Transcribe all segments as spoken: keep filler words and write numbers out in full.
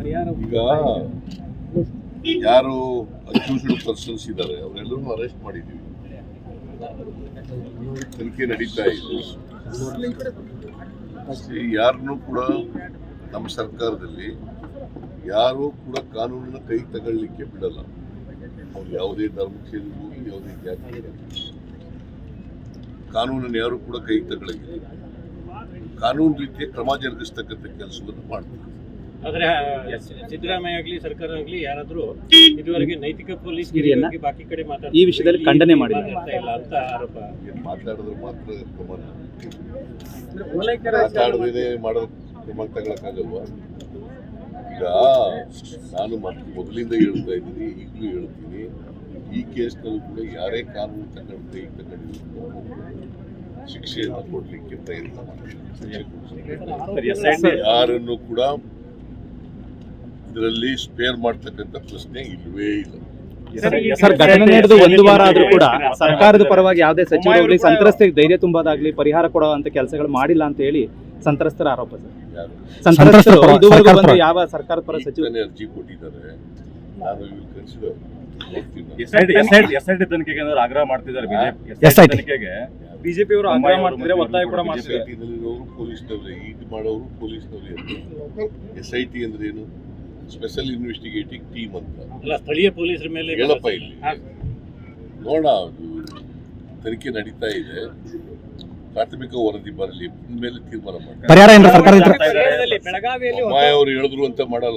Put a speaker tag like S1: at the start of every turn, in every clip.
S1: ಈಗ ಯಾರು accused persons ಇದ್ದಾರೆ ಅವರೆಲ್ಲರೂ ಅರೆಸ್ಟ್ ಮಾಡಿದ್ದೀವಿ, ತನಿಖೆ ನಡೀತಾ ಇದೆ. ಯಾರನ್ನೂ ಕೂಡ ನಮ್ಮ ಸರ್ಕಾರದಲ್ಲಿ ಯಾರೂ ಕೂಡ ಕಾನೂನಿನ ಕೈ ತಗೊಳ್ಳಿಕ್ಕೆ ಬಿಡಲ್ಲ. ಅವ್ರು ಯಾವುದೇ ಧರ್ಮಕ್ಕೆ ಸೇರಿರ್ಬೋದು, ಯಾವುದೇ ಜಾತಿ, ಕಾನೂನನ್ನು ಯಾರು ಕೂಡ ಕೈ ತಗೊಳ್ಳಂಗಿಲ್ಲ. ಕಾನೂನು ರೀತಿಯ ಕ್ರಮ ಜರುಗಿಸ್ತಕ್ಕಂಥ ಕೆಲಸವನ್ನು ಮಾಡ್ತಾರೆ.
S2: ಆದ್ರೆ ಸಿದ್ದರಾಮಯ್ಯ ಆಗಲಿ ಸರ್ಕಾರ ಆಗಲಿ ಯಾರಾದ್ರೂ ಇದುವರೆಗೆ ನೈತಿಕ ಪೊಲೀಸ್ ಬಾಕಿ ಕಡೆ
S3: ಈ ವಿಷಯದಲ್ಲಿ ಖಂಡನೆ ಮಾಡಿಲ್ಲ
S2: ಅಂತ ಆರೋಪ.
S1: ಮಾತಾಡಿದ್ರೆ ಮಾತ್ರ ಕ್ರಮ ಮಾತಾಡದೇ ಮಾಡೋ ಕ್ರಮ ತಗೊಳಕ್ಕಾಗಲ್ವಾ? ಈಗ ನಾನು ಮತ್ತೆ ಮೊದಲಿಂದ ಹೇಳ್ತಾ ಇದ್ದೀನಿ, ಈಗಲೂ ಹೇಳ್ತೀನಿ, ಈ ಕೇಸ್ನಲ್ಲೂ ಕೂಡ ಯಾರೇ ಕಾನೂನು ತಗೊಂಡು ಕೈ ತಗೊಂಡಿದ್ರು ಶಿಕ್ಷೆಯನ್ನು ಕೊಡ್ಲಿಕ್ಕೆ ಪ್ರಯತ್ನ ಮಾಡ್ತಾರೆ. ಯಾರನ್ನು ಕೂಡ ಇದರಲ್ಲಿ ಸ್ಪೇರ್ ಮಾಡ್ತಕ್ಕಂಥ ಪ್ರಶ್ನೆ ಇಲ್ವೇ ಇಲ್ಲ.
S3: ಸರ್, ಘಟನೆ ನಡೆದು ಒಂದು ವಾರ ಆದ್ರೂ ಕೂಡ ಸರ್ಕಾರದ ಪರವಾಗಿ ಯಾವುದೇ ಸಚಿವರಾಗಲಿ ಸಂತ್ರಸ್ತೆಗೆ ಧೈರ್ಯ ತುಂಬೋದಾಗ್ಲಿ ಪರಿಹಾರ ಕೊಡುವಂತ ಕೆಲಸಗಳು ಮಾಡಿಲ್ಲ ಅಂತ ಹೇಳಿ ಸಂತ್ರಸ್ತರ ಆರೋಪ. ಸರ್, ಸಂತ್ರಸ್ತರು ಇದುವರೆಗೂ ಬಂದು ಯಾವ ಸರ್ಕಾರದ ಪರ ಸಚಿವ
S1: ಅರ್ಜಿ ಕೊಟ್ಟಿದ್ದಾರೆ, ನಾನು ಇವ್ರು ಕನ್ಸಿಡರ್
S4: ಎಸ್ಐಟಿ ತನಿಖೆಗೆ ಆಗ್ರಹ ಮಾಡ್ತಿದ್ದಾರೆ.
S3: ಬಿಜೆಪಿ ಅವರು ಆಗ್ರಹ ಮಾಡ್ತಿದ್ರೆ ಒತ್ತಾಯ ಕೂಡ ಮಾಡ್ತಿದ್ದಾರೆ.
S1: ಪೊಲೀಸ್ನವ್ರೆ ಇದು ಮಾಡೋರು ಪೊಲೀಸ್ನವ್ರೆ. ಎಸ್ ಐ ಟಿ ಅಂದ್ರೆ ಏನು? ಸ್ಪೆಷಲ್ ಇನ್ವೆಸ್ಟಿಗೇಟಿಂಗ್ ಟೀಮ್ ಅಂತ.
S2: ಅಲ್ಲ, ಸ್ಥಳೀಯ ಪೊಲೀಸರ ಮೇಲೆ
S1: ಹೇಳಪ್ಪ ಇಲ್ಲಿ ನೋಡ, ತನಿಖೆ ನಡೀತಾ ಇದೆ, ಪ್ರಾಥಮಿಕ ವರದಿ ಬರಲಿ, ಮೇಲೆ ತೀರ್ಮಾನ ಮಾಡಿ. ಅಮ್ಮಾಯಿ ಅವರು ಹೇಳಿದ್ರು ಅಂತ ಮಾಡಲ್ಲ,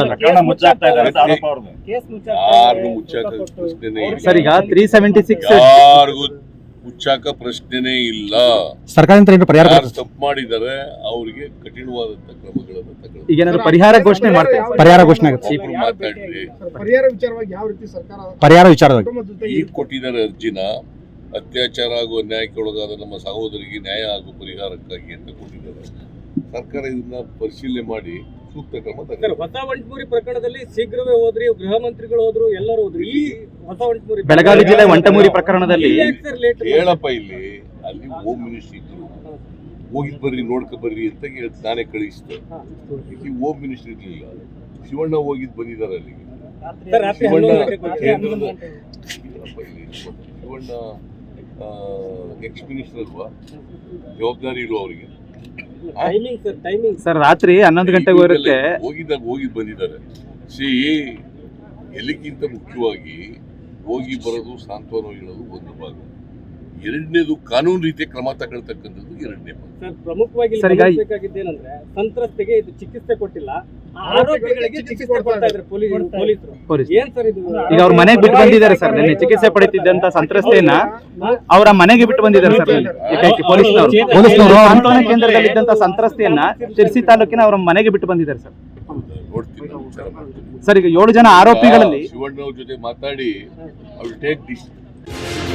S1: ಯಾರಿಗೂ ಮುಚ್ಚಾಕ ಪ್ರಶ್ನೆನೇ ಇಲ್ಲ. ಯಾರಿಗೂ ಮುಚ್ಚಾಕ ಪ್ರಶ್ನೆನೇ ಇಲ್ಲ.
S3: ಸರ್ಕಾರದಿಂದ
S1: ಯಾರು ತಪ್ಪು ಮಾಡಿದ್ದಾರೆ ಅವರಿಗೆ ಕಠಿಣವಾದಂತ ಕ್ರಮಗಳನ್ನು ತಗೊಳ್ಳಿ.
S3: ಈಗ ಪರಿಹಾರ ಘೋಷಣೆ ಮಾಡ್ತಾರೆ, ಪರಿಹಾರ ಘೋಷಣೆ ಆಗುತ್ತೆ.
S1: ಮಾತಾಡ್ರಿ,
S5: ಪರಿಹಾರ ವಿಚಾರವಾಗಿ ಯಾವ ರೀತಿ ಸರ್ಕಾರ
S3: ಪರಿಹಾರ ವಿಚಾರವಾಗಿ
S1: ಈಗ ಕೊಟ್ಟಿದ್ದಾರೆ ಅರ್ಜಿನ. ಅತ್ಯಾಚಾರ ಹಾಗೂ ಅನ್ಯಾಯಕ್ಕೆ ಒಳಗಾದ ನಮ್ಮ ಸಹೋದರಿಗೆ ನ್ಯಾಯ ಹಾಗೂ ಪರಿಹಾರಕ್ಕಾಗಿ ಅಂತ ಕೊಟ್ಟಿದ್ದಾರೆ. ಸರ್ಕಾರ ಇದನ್ನ ಪರಿಶೀಲನೆ ಮಾಡಿ ಸೂಕ್ತ ಕ್ರಮ ತಗೊಂಡು.
S2: ಹೊಸ ವಂಟಮೂರಿ ಪ್ರಕರಣದಲ್ಲಿ ಶೀಘ್ರವೇ ಹೋದ್ರಿ, ಗೃಹ ಮಂತ್ರಿಗಳು ಹೋದ್ರು, ಎಲ್ಲರೂ ಹೋದ್ರು. ಈ ಹೊಸ ವಂಟಮೂರಿ
S3: ಬೆಳಗಾವಿ ಜಿಲ್ಲೆ ವಂಟಮೂರಿ ಪ್ರಕರಣದಲ್ಲಿ
S1: ಹೇಳಪ್ಪ, ಇಲ್ಲಿ ಅಲ್ಲಿ ಹೋಮ್ ಮಿನಿಸ್ಟರ್ ಇದ್ರು, ಹೋಗಿದ್ ಬರ್ರಿ ನೋಡ್ಕೊ ಬರ್ರಿ ಅಂತ ನಾನೇ ಕಳಿಸಿದೆ. ಇಲ್ಲಿ ಹೋಮ್ ಮಿನಿಸ್ಟರ್ ಇರ್ಲಿಲ್ಲ, ಶಿವಣ್ಣ ಹೋಗಿದ್ ಬಂದಿದ್ದಾರೆ ಅಲ್ಲಿಗೆ. ಶಿವಣ್ಣ ಕೇಂದ್ರದ ಶಿವಣ್ಣ ಎಕ್ಸ್ ಮಿನಿಸ್ಟರ್ ಅಲ್ವಾ, ಜವಾಬ್ದಾರಿ ಇಲ್ವಾ ಅವರಿಗೆ?
S3: ಸರ್, ರಾತ್ರಿ ಹನ್ನೊಂದು ಗಂಟೆಗೆ ಇರುತ್ತೆ,
S1: ಹೋಗಿದ್ದಾಗ ಹೋಗಿ ಬಂದಿದ್ದಾರೆ. ಸಿ ಎಲ್ಲಿಗಿಂತ ಮುಖ್ಯವಾಗಿ ಹೋಗಿ ಬರೋದು, ಸಾಂತ್ವನ ಹೇಳೋದು ಒಂದು ಭಾಗ. ಎರಡನೇದು ಕಾನೂನು ರೀತಿಯ ಕ್ರಮ ತಗೊಳ್ತಕ್ಕಂಥದ್ದು ಎರಡನೇ ಭಾಗ.
S2: ಸರ್, ಪ್ರಮುಖವಾಗಿ ಗಮನಿಸಬೇಕಾಗಿದ್ದೇನೆಂದ್ರೆ ಸಂತ್ರಸ್ತೆಗೆ ಇದು ಚಿಕಿತ್ಸೆ ಕೊಟ್ಟಿಲ್ಲ, ಆರೋಪಿಗಳಿಗೆ ಚಿಕಿತ್ಸೆ ಕೊಡ್ತಾ ಇದ್ದಾರೆ ಪೊಲೀಸರು. ಏನ್ ಸರ್ ಇದು?
S3: ಈಗ ಅವ್ರ ಮನೆಗೆ ಬಿಟ್ಟು ಬಂದಿದ್ದಾರೆ ಸರ್. ನಿನ್ನೆ ಚಿಕಿತ್ಸೆ ಪಡೆಯುತ್ತಿದ್ದಂತ ಸಂತ್ರಸ್ತೆಯನ್ನ ಅವರ ಮನೆಗೆ ಬಿಟ್ಟು ಬಂದಿದ್ದಾರೆ ಸರ್. ಪೊಲೀಸ್ನವರು ಪೊಲೀಸ್ನವರು ಸಾಂತ್ವನ ಕೇಂದ್ರದಲ್ಲಿ ಇದ್ದಂತ ಸಂತ್ರಸ್ತೆಯನ್ನ ಶಿರ್ಸಿ ತಾಲೂಕಿನ ಅವರ ಮನೆಗೆ ಬಿಟ್ಟು ಬಂದಿದ್ದಾರೆ ಸರ್.
S1: ನೋಡ್ತೀನಿ
S3: ಸರ್, ಈಗ ಏಳು ಜನ ಆರೋಪಿಗಳಲ್ಲಿ
S1: ಶಿವಣ್ಣ ಅವ್ರ ಜೊತೆ ಮಾತಾಡಿ ಅವ್ರು ಟೇಕ್ ಡಿಸಿಷನ್